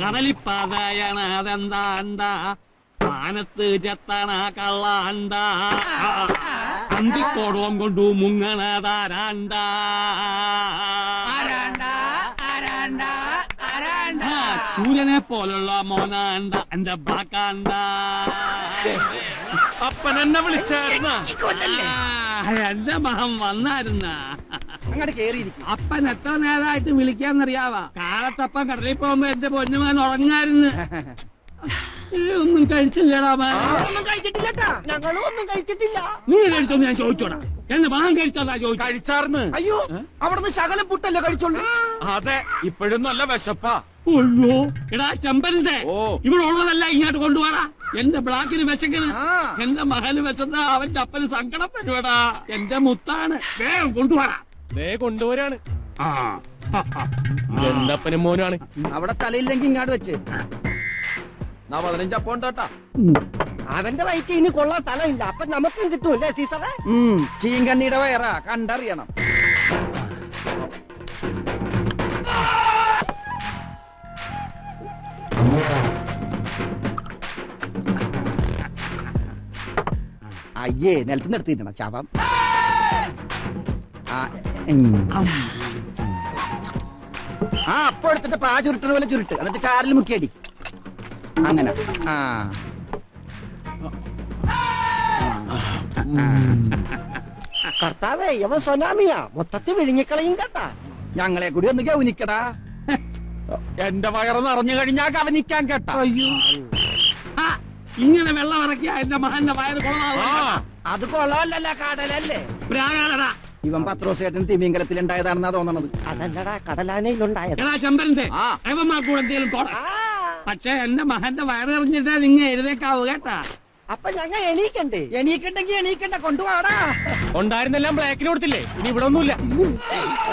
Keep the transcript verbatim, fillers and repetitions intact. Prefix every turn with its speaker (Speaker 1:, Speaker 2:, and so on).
Speaker 1: കടലിപ്പാതയാണ് അതെന്താണ്ട മാനത്ത് ചെത്തണ കള്ളാണ്ട അന്തിക്കോടവും കൊണ്ടു മുങ്ങണതാരാണ്ട ചൂരനെ പോലുള്ള മോനാണ്ട എന്റെ ബ്ലാക്കാണ്ട.
Speaker 2: അപ്പൻ എന്നെ വിളിച്ചായിരുന്ന
Speaker 1: എന്റെ മഹം വന്നായിരുന്ന
Speaker 3: അങ്ങോട്ട് കേറിയിരിക്കും.
Speaker 1: അപ്പൻ എത്ര നേരമായിട്ട് വിളിക്കാന്നറിയാവാ. കാലത്തപ്പൻ കടലിൽ പോകുമ്പോ എന്റെ പൊന്നുമാൻ ഉറങ്ങായിരുന്നു. ഒന്നും കഴിച്ചില്ലടാ.
Speaker 3: ഞങ്ങളും ഒന്നും കഴിച്ചിട്ടില്ല.
Speaker 1: നീ കഴിച്ചോന്ന് ഞാൻ ചോദിച്ചോടാ. എന്റെ മകൻ കഴിച്ചോടാ ചോദിച്ചു.
Speaker 2: കഴിച്ചാർന്ന്.
Speaker 3: അയ്യോ, അവിടുന്ന് ശകലം പുട്ടല്ലേ കഴിച്ചോളൂ.
Speaker 2: അതെ, ഇപ്പോഴും നല്ല വിശപ്പാ.
Speaker 1: അയ്യോ എടാ ചെമ്പരന്റെ
Speaker 2: ഓ
Speaker 1: ഇവിടെ ഉള്ളതല്ല ഇങ്ങോട്ട് കൊണ്ടുപോടാ. എന്റെ ബ്ലാക്കിന് വിശക്കണ്, എന്റെ മകന് വിശന്ന അവന്റെ അപ്പന് സങ്കടം വരുവാടാ. എന്റെ മുത്താണ്, വേഗം കൊണ്ടുപോടാ.
Speaker 2: ദേ കൊണ്ടുപോരാണ്. എന്റെ അപ്പനും മോനാണ്.
Speaker 3: അവിടെ തലയില്ലെങ്കിൽ ഇങ്ങാട് വെച്ച്
Speaker 2: പതിനഞ്ചപ്പം ഉണ്ടാട്ടാ.
Speaker 3: അവന്റെ വയറ്റ് ഇനി കൊള്ളാൻ സ്ഥലമില്ല. അപ്പൊ നമുക്കും കിട്ടൂല്ലേ സീസറെ? ചീങ്കണ്ണിയുടെ വയറാ, കണ്ടറിയണം. അയ്യേ, നിലത്ത് നിർത്തിയിട്ടണം ചാവാം. ആ അപ്പൊ എടുത്തിട്ട് പാ ചുരുട്ടണ പോലെ ചുരുട്ട്, എന്നിട്ട് ചാറിൽ മുക്കിയടി. അങ്ങനെ. ആ കർത്താവേ, ഇവൻ സൊനാമിയാ, മൊത്തത്തിൽ വിഴുങ്ങിക്കളയും കേട്ടാ. ഞങ്ങളെ കൂടി ഒന്ന് ഗൗനിക്കടാ.
Speaker 2: എന്റെ വയറ് നിറഞ്ഞു കഴിഞ്ഞാ കവനിക്കാൻ കേട്ടാ.
Speaker 3: അയ്യോ,
Speaker 1: ഇങ്ങനെ വെള്ളം ഇറക്കിയ എന്റെ മകന്റെ വയറ് കൊള്ളാം.
Speaker 3: അത് കൊള്ളാമല്ല, കടലല്ലേ.
Speaker 1: പ്രാകാരടാ.
Speaker 3: ഇവൻ പത്രോസേട്ടൻ തിമിംഗലത്തിൽ ഉണ്ടായതാണെന്നാ തോന്നണത്. അതല്ലടാ, കടലാനയിലുണ്ടായത്.
Speaker 1: എടാ ചെമ്പരന്റെ അവന്മാർക്കൂടെ എന്തെങ്കിലും തോടാ. പക്ഷെ എന്റെ മകന്റെ വയറിറങ്ങിട്ടാ നിങ്ങ എഴുതേക്കാവൂ കേട്ടാ.
Speaker 3: അപ്പൊ ഞങ്ങൾ എണീക്കണ്ടേ? എണീക്കണ്ടെങ്കി എണീക്കണ്ട, കൊണ്ടുപോടാ.
Speaker 2: ഉണ്ടായിരുന്നെല്ലാം ബ്ലാക്കിന് കൊടുത്തില്ലേ? ഇനി ഇവിടെ ഒന്നുമില്ല.